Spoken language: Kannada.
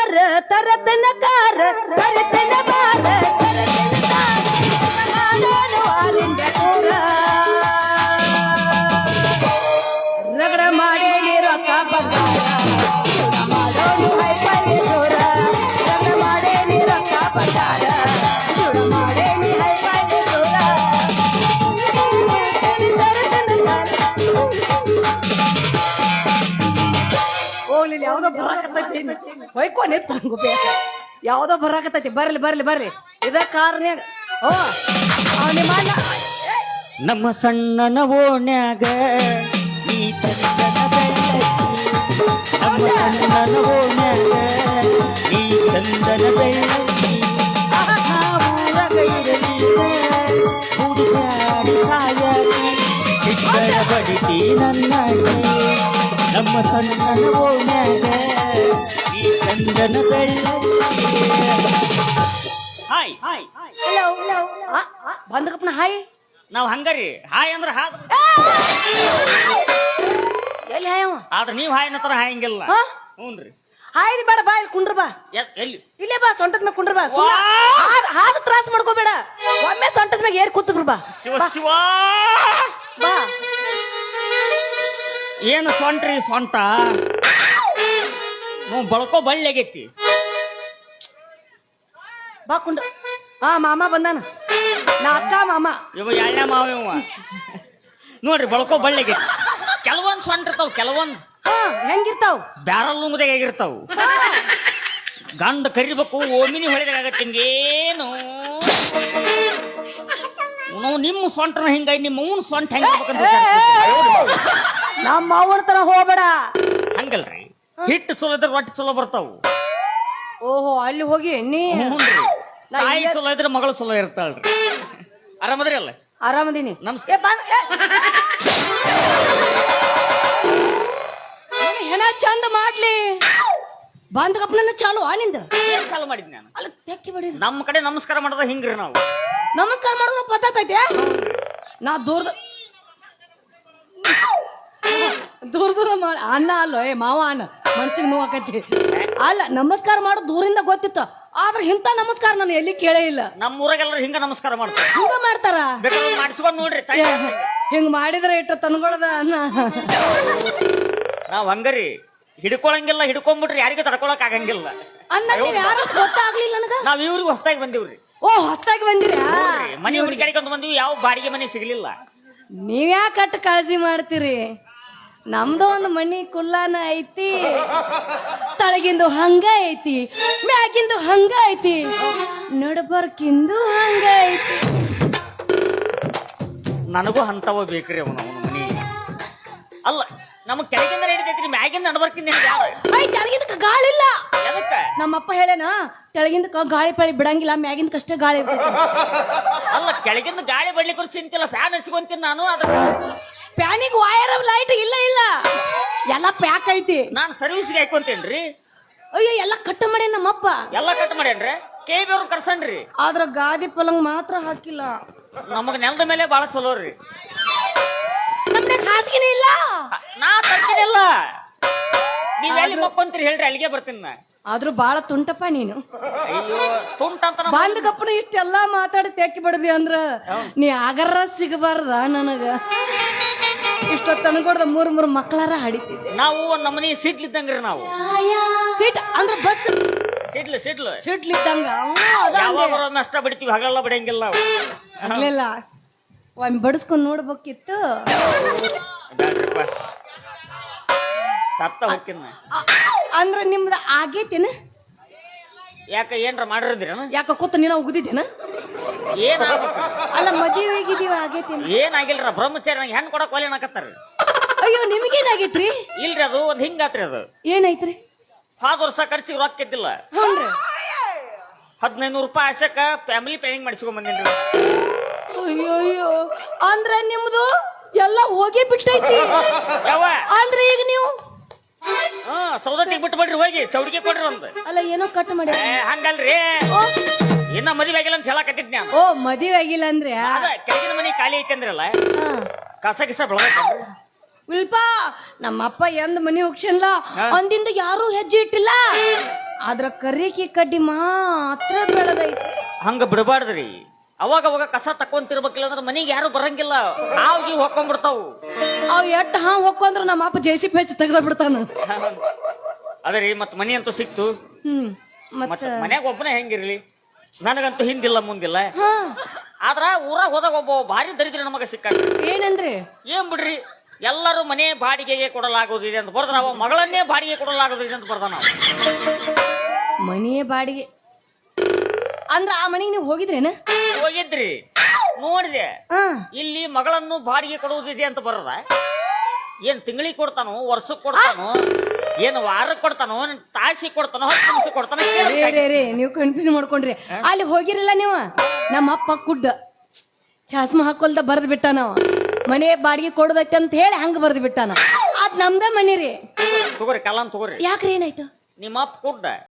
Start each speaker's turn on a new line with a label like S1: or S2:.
S1: ಬಾರ ತರತನ ಕಾರ ತರತನ ಬಾರ ರಗಡ ಮಾಡಿ ರೊಕ್ಕ ಬಂಗಾರ ಮಾಡೋನು ಹೈಪೈ ಜೋರ ರಗಡ ಮಾಡಿ ರೊಕ್ಕ ಬಂಗಾರ ಮಾಡೇನಿ ಹೈಪೈ ಜೋರ ಹೋಗ್ಲಿ ಯಾವ್ದೋ ಬರಾಕತ್ತೈತಿ ಹೊಯ್ಕೊನೆ ತಂಗುಬೇ ಯಾವ್ದೋ ಬರಾಕತ್ತೈತಿ ಬರ್ಲಿ ಬರ್ಲಿ ಬರ್ರಿ ಇದ ಕಾರ್ನ್ಯಾಗ ಓ ನಿಮ್ಮ ಅಣ್ಣ
S2: ನಮ್ಮ ಸಣ್ಣನ ಓಣ್ಯಾಗ ಈ ಚಂದನ ಬೆಳ್ಳಕ್ಕಿ ನಮ್ಮ ಸಣ್ಣನ ಓಣ್ಯಾಗ ಈ ಚಂದನ ಬೆಳ್ಳಕ್ಕಿ ಊರಗ ಇರಲಿ ಹುಡುಗಾಡಿ ಸಾಯಕಿ ಚಿಕ್ಕರ ಬಡಿತಿ ನನ್ನ ನಮ್ಮ ಸಣ್ಣನ ಓಣ್ಯಾಗ ಈ ಚಂದನ ಬೆಳ್ಳಕ್ಕಿ ಹಾಯ್ ಹಾಯ್
S1: ಹಲೋ ಬಂದಕಪ್ಪನ ಹಾಯ್
S2: ನಾವ್ ಹಂಗರಿ ಹಾಯ್ ಅಂದ್ರ ಹಾ
S1: ಎಲ್ಲಿ ಹಾಯ್ ಅವ
S2: ಆದ್ರ ನೀವ್ ಹಾಯ್ ಅನ್ನತರ ಹಾಯಂಗಿಲ್ಲ ಹ್ಞೂನ್ರಿ
S1: ಹಾಯ್ದು ಬೇಡ ಬಾ ಇಲ್ಲಿ ಕುಂಡ್ರ ಬಾ
S2: ಎಲ್ಲಿ
S1: ಇಲ್ಲೇ ಬಾ ಸೊಂಟದ ಮ್ಯಾಗ ಕುಂಡ್ರ ಬಾ ಹಾದ ತ್ರಾಸ ಮಾಡ್ಕೋಬೇಡ ಒಮ್ಮೆ ಸೊಂಟದ ಮ್ಯಾಗ ಏರ್ ಕೂತ್ರು ಬಾ
S2: ಶಿವ ಶಿವ
S1: ಬಾ
S2: ಏನು ಸೊಂಟ್ರಿ ಸೊಂಟ ನಾವು ಬಳಕೋ ಬಳ್ಳಿ ಆಗೈತಿ
S1: ಬಾ ಕುಂಡ್ರ ಹಾ ಮಾಮ ಬಂದಾನ ನಾ ಅಕ್ಕ ಮಾಮ
S2: ಇವ ಎಳ್ಳ ಮಾವ ಇವ ನೋಡ್ರಿ ಬಳಕೋ ಬಳ್ಳಿ ಆಗೈತಿ ಕೆಲವೊಂದ್ ಸೊಂಟ ಇರ್ತಾವ ಕೆಲವೊಂದ್
S1: ಹಾ ಹೆಂಗಿರ್ತಾವ್
S2: ಬ್ಯಾರಲ್ ನುಂಗದಾಗ ಆಗಿರ್ತಾವ ಗಂಡ ಕರಿಬೇಕು ಓಮಿನಿ ಹೊಳಿದಾಗತ್ತೆ ಹಿಂಗೇನು ನಾವು ನಿಮ್ಮ ಸೊಂಟನ ಹಿಂಗಾಗಿ ನಿಮ್ಮ ಅವನ ಸೊಂಟ ಹೆಂಗಿರ್ಬೇಕಂತ
S1: ನಮ್ಮ ಅವನ ತರ ಹೋಗ್ಬೇಡ
S2: ಹಂಗಲ್ರಿ ಹಿಟ್ಟು ಚಲೋ ಇದ್ರೆ ರೊಟ್ಟಿ ಚಲೋ ಬರ್ತಾವು
S1: ಓಹೋ ಅಲ್ಲಿ ಹೋಗಿ ನೀ
S2: ತಾಯಿ ಚಲೋ ಇದ್ರೆ ಮಗಳು ಚಲೋ ಇರ್ತಾಳ್ರಿ ಆರಾಮದ್ರಿ ಅಲ್ಲ
S1: ಆರಾಮದೀನಿ
S2: ನಮಸ್ಕಾರ
S1: ಹೆಣ ಚಂದ ಮಾಡ್ಲಿ ಬಂದಕಪ್ಪನ ಚಾಲು ನಿಂದ
S2: ಏನ್ ಚಾಲು ಮಾಡಿದ್ ನಾನು
S1: ಅಲ್ಲ ತೆಕ್ಕಿ ಬಡಿ
S2: ನಮ್ಮ ಕಡೆ ನಮಸ್ಕಾರ ಮಾಡೋದ ಹಿಂಗ್ರಿ ನಾವು
S1: ನಮಸ್ಕಾರ ಮಾಡೋದು ಪತ್ತೈತೆ ನಾ ದೂರದ ದೂರ ಮಾಡಿ ಅಣ್ಣ ಅಲ್ಲೋ ಏ ಮಾವ ಅಣ್ಣ ಮನ್ಸಿಗೆ ನೋವಾಕತಿ ಅಲ್ಲ ನಮಸ್ಕಾರ ಮಾಡೋದು ದೂರಿಂದ ಗೊತ್ತಿತ್ತು ಆದ್ರೆ ಇಂಥ ನಮಸ್ಕಾರ ನಾನು ಎಲ್ಲಿ ಕೇಳೇ ಇಲ್ಲ
S2: ನಮ್ಮ ಊರಾಗೆಲ್ಲರೂ ಹಿಂಗ ನಮಸ್ಕಾರ ಮಾಡ್ತಾರೆ
S1: ಹಿಂಗ ಮಾಡ್ತಾರ
S2: ಬೇಕಾದ್ರೆ ಮಾಡಿಸ್ಕೊಂಡ್ ನೋಡ್ರಿ ತಾಯಿ
S1: ಹಿಂಗ್ ಮಾಡಿದ್ರೆ ಇಟ್ಟು ತನ್ಗೊಳದ ಅನ್ನ
S2: ನಾವ್ ಹಂಗರಿ ಹಿಡ್ಕೊಳಂಗಿಲ್ಲ ಹಿಡ್ಕೊಂಡ್ಬಿಟ್ರಿ ಯಾರಿಗೂ ತಡ್ಕೊಳಕ್ ಆಗಂಗಿಲ್ಲ
S1: ಅಂದ ಯಾರು ಗೊತ್ತಾಗ್ಲಿಲ್ಲ ನನಗ
S2: ನಾವ್ ಇವ್ರಿಗೆ ಹೊಸದಾಗಿ ಬಂದಿವ್ರಿ
S1: ಓ ಹೊಸ್ತಾಗಿ ಬಂದಿರಾ
S2: ಮನೆ ಹುಡುಕಾಡಿಕೊಂಡ್ ಬಂದಿವಿ ಯಾವ ಬಾಡಿಗೆ ಮನೆ ಸಿಗ್ಲಿಲ್ಲ
S1: ನೀವ್ಯಾಕ ಕಟ್ಟ ಕಾಳಜಿ ಮಾಡ್ತೀರಿ ನಮ್ದು ಒಂದು ಮನಿ ಕುಲ್ಲಾನ ಐತಿ ತಳಗಿಂದು ಹಂಗ ಐತಿ ಮ್ಯಾಗಿಂದು ಹಂಗ ಐತಿ ನಡಬರ್ಕಿಂದು ಹಂಗ ಐತಿ
S2: ನನಗೂ ಅಂತವ ಬೇಕ್ರಿ ಅವನು ಮನಿ ಅಲ್ಲ ನಮಗ್ ಕೆಳಗಿಂದ ನಡೀತೈತ್ರಿ ಮ್ಯಾಗಿಂದ ನಡ್ಬರ್ಕಿಂದ
S1: ಐ ಕೆಳಗಿಂದ ಗಾಳಿ ಇಲ್ಲ
S2: ಎದಕ್ಕ
S1: ನಮ್ಮಪ್ಪ ಹೇಳೇನ ತೆಳಗಿಂದ ಗಾಳಿ ಪಾಳಿ ಬಿಡಂಗಿಲ್ಲ ಮ್ಯಾಗಿಂದ ಕಷ್ಟೇ ಗಾಳಿ ಇರ್ತೈತಿ
S2: ಅಲ್ಲ ಕೆಳಗಿಂದ ಗಾಳಿ ಬಡ್ಲಿಕ್ಕೆ ಚಿಂತಿಲ್ಲ ಫ್ಯಾನ್ ಹಚ್ಕೊಂತೀನಿ ನಾನು ಅದ್ರ
S1: ಪ್ಯಾನಿಗೆ ವೈರ್ ಲೈಟ್ ಇಲ್ಲ ಇಲ್ಲ ಎಲ್ಲ ಪ್ಯಾಕ್ ಐತಿ
S2: ನಾನ್ ಸರ್ವಿಸ್ಗೆ ಹಾಕೊಂತೇನ್ರಿ
S1: ಅಯ್ಯೋ ಎಲ್ಲ ಕಟ್ ಮಾಡಿ ನಮ್ಮಪ್ಪ
S2: ಎಲ್ಲ ಕಟ್ ಮಾಡ್ಯಾನ್ರಿ ಕೇಬಿ ಅವ್ರು ಕರ್ಸನ್ರಿ
S1: ಆದ್ರ ಗಾದಿ ಪಲಂಗ್ ಮಾತ್ರ ಹಾಕಿಲ್ಲ
S2: ನಮಗ್ ನೆಲದ ಮೇಲೆ ಬಾಳ ಚಲೋ ರೀ
S1: ನಮ್ಗೆ ಹಾಸಿಗೆನೇ ಇಲ್ಲ
S2: ನಾ ತರ್ತೀನಿಲ್ಲ ನೀವ್ ಎಲ್ಲಿ ಮಕ್ಕೊಂತೀರಿ ಹೇಳ್ರಿ ಅಲ್ಲಿಗೆ ಬರ್ತೀನಿ ನಾ
S1: ಆದ್ರೂ ಬಾಳ ತುಂಟಪ್ಪ ನೀನು
S2: ಅಯ್ಯೋ ತುಂಟ ಅಂತ
S1: ಬಂದ ಕಪ್ಪನ ಇಷ್ಟೆಲ್ಲಾ ಮಾತಾಡಿ ತೆಕ್ಕಿ ಬಿಡದಿ ಅಂದ್ರ ನೀ ಆಗರ ಸಿಗಬಾರ್ದ ನನಗ ಇಷ್ಟೊತ್ತು ಅನ್ಕೊಡ್ದ ಮೂರ್ ಮಕ್ಕಳಾರ ಹಾಡಿತಿದ್ದೆ
S2: ನಾವು ಒಂದ್ ನಮನಿ ಸಿಡ್ಲಿದ್ದಂಗ್ರಿ ನಾವು
S1: ಸೀಟ್ ಅಂದ್ರ ಬಸ್
S2: ಸಿಡ್ಲು
S1: ಸಿಡ್ಲಿದ್ದಂಗ
S2: ಯಾವಾಗ ನಷ್ಟ ಬಿಡ್ತೀವಿ ಹಗಲೆಲ್ಲ ಬಿಡಂಗಿಲ್ಲ ನಾವು
S1: ಆಗ್ಲಿಲ್ಲ ಒಮ್ಮೆ ಬಡಿಸ್ಕೊಂಡ್ ನೋಡ್ಬೇಕಿತ್ತು
S2: ಬ್ಯಾಡ್ರಿಪ್ಪ ಸತ್ತ ಹೋಗ್ತೀನಿ
S1: ಅಂದ್ರ ನಿಮ್ದ ಆಗೇತೇನ
S2: ಯಾಕ ಏನ್ರ ಮಾಡಿರಿದ್ರೇನ
S1: ಯಾಕ ಕೂತ ನೀನ ಉಗ್ದಿದ್ದೇನ
S2: ಏನಾಗ್ಬೇಕು
S1: ಅಲ್ಲ ಮದುವೆಗಿದೀವ ಆಗೇತೇನ
S2: ಏನಾಗಿಲ್ರ ಬ್ರಹ್ಮಚಾರಿ ನಂಗೆ ಹೆಣ್ ಕೊಡಕ್ ಒಲೆ ಹಾಕತ್ತಾರ
S1: ಅಯ್ಯೋ ನಿಮಗೇನಾಗೈತ್ರಿ
S2: ಇಲ್ರಿ ಅದು ಒಂದ್ ಹಿಂಗಾತ್ರಿ ಅದು
S1: ಏನೈತ್ರಿ
S2: ಹೋದ ವರ್ಷ ಖರ್ಚಿಗೆ ರೊಕ್ಕ ಇದ್ದಿಲ್ಲ
S1: ಹ್ಞೂನ್ರಿ
S2: 1500 ರೂಪಾಯಿ ಆಸಕ ಫ್ಯಾಮಿಲಿ ಪ್ಲಾನಿಂಗ್ ಮಾಡಿಸ್ಕೊಂಡ್ ಬಂದೇನ್ರಿ
S1: ಅಯ್ಯೋ ಅಂದ್ರ ನಿಮ್ದು ಎಲ್ಲ ಹೋಗಿ ಬಿಟ್ಟೈತಿ
S2: ಯಾವ
S1: ಅಂದ್ರೆ ಈಗ ನೀವು
S2: ಸೌದತ್ತಿಗೆ ಬಿಟ್ಟು ಬಿಡ್ರಿ ಹೋಗಿ ಚೌಡಿಗೆ ಕೊಡ್ರಿ ಒಂದು
S1: ಅಲ್ಲ ಏನೋ ಕಟ್ ಮಾಡಿ
S2: ಹಂಗಲ್ರಿ ಇನ್ನ ಮದುವೆ ಆಗಿಲ್ಲ ಅಂತ ಹೇಳಕತ್ತಿದ್ ನಾನು
S1: ಓ ಮದುವೆ ಆಗಿಲ್ಲ ಅಂದ್ರೆ
S2: ಅದ ಕೆಳಗಿನ ಮನೆ ಖಾಲಿ ಐತಿ ಅಂದ್ರಲ್ಲ ಕಸ ಗಿಸ ಬೆಳಗೈತೇನ್ರಿ
S1: ವಿಲ್ಪ ನಮ್ಮಪ್ಪ ಎಂದ್ ಮನಿ ಹೋಗ್ಸನ್ಲ ಅಂದಿಂದ ಯಾರು ಹೆಜ್ಜೆ ಇಟ್ಟಿಲ್ಲ ಅದ್ರ ಕರಿಕಿ ಕಡ್ಡಿ ಮಾತ್ರ ಬೆಳಗೈತಿ.
S2: ಹಂಗ ಬಿಡಬಾರ್ದ್ರಿ. ಅವಾಗ ಅವಾಗ ಕಸ ತಕೊಂತಿರ್ಬೇಕಿಲ್ಲ ಅಂದ್ರೆ ಮನಿಗೆ ಯಾರು ಬರಂಗಿಲ್ಲ. ಹಾವು ಹೊಕ್ಕೊಂಡ್ಬಿಡ್ತಾವು.
S1: ಅವ್ ಎಟ್ ಹೊಕ್ಕೊಂಡ್ರು ನಮ್ಮ ಅಪ್ಪ ಜೆಸಿಪಿ ಹೆಚ್ಚು ತೆಗ್ದ ಬಿಡ್ತಾನ.
S2: ಅದರಿ ಮತ್ ಮನಿ ಅಂತೂ ಸಿಕ್ತು.
S1: ಮತ್ತ
S2: ಮತ್ತ ಮನ್ಯಾಗ ಒಬ್ಬನೇ ಹೆಂಗಿರ್ಲಿ, ನನಗಂತೂ ಹಿಂದಿಲ್ಲ ಮುಂದಿಲ್ಲ.
S1: ಹಾ
S2: ಆದ್ರ ಊರಾಗ ಹೋದಾಗ ಒಬ್ಬ ಭಾರಿ ದರಿದ್ರ ನಮಗ ಸಿಕ್ಕ.
S1: ಏನಂದ್ರೆ
S2: ಏನ್ ಬಿಡ್ರಿ, ಎಲ್ಲರೂ ಮನೆ ಬಾಡಿಗೆಗೆ ಕೊಡಲಾಗುವುದಿದೆ ಅಂತ ಬರ್ದ, ಅವ ಮಗಳನ್ನೇ ಬಾಡಿಗೆ ಕೊಡಲಾಗುವುದಿದೆ ಅಂತ ಬರ್ದ. ನಾವು
S1: ಮನೆಯ ಬಾಡಿಗೆ ಅಂದ್ರ ಆ ಮನೆಗೆ ನೀವು ಹೋಗಿದ್ರೇನ?
S2: ಹೋಗಿದ್ರಿ, ನೋಡಿದೆ. ಇಲ್ಲಿ ಮಗಳನ್ನು ಬಾಡಿಗೆ ಕೊಡುವುದಿದೆ ಅಂತ ಬರದ. ಏನ್ ತಿಂಗಳಿಗೆ ಕೊಡ್ತಾನೋ, ವರ್ಷಕ್ಕೆ ಕೊಡ್ತಾನೋ, ಏನ್ ವಾರಕ್ಕೆ ಕೊಡ್ತಾನೋ, ತಾಸಿಗೆ ಕೊಡ್ತಾನೋ, 10 ನಿಮಿಷ ಕೊಡ್ತಾನೋ?
S1: ನೀವು ಕನ್ಫ್ಯೂಸ್ ಮಾಡ್ಕೊಂಡ್ರಿ. ಅಲ್ಲಿ ಹೋಗಿರಲಿಲ್ಲ ನೀವು? ನಮ್ಮ ಅಪ್ಪ ಕುಡ್ಡ ಚಾಸ್ಮ ಹಾಕೊಲ್ದ ಬರ್ದ್ ಬಿಟ್ಟ. ನಾವ ಮನೆ ಬಾಡಿಗೆ ಕೊಡದೈತಿ ಅಂತ ಹೇಳಿ ಹಂಗ ಬರ್ದ್ ಬಿಟ್ಟಾನ. ಅದ್ ನಮ್ದ ಮನಿ ರೀ.
S2: ತಗೋರಿ ಕಲಾಂ ತಗೋರಿ.
S1: ಯಾಕ್ರಿ ಏನಾಯ್ತು?
S2: ನಿಮ್ಮ ಅಪ್ಪ ಕುಡ್ಡ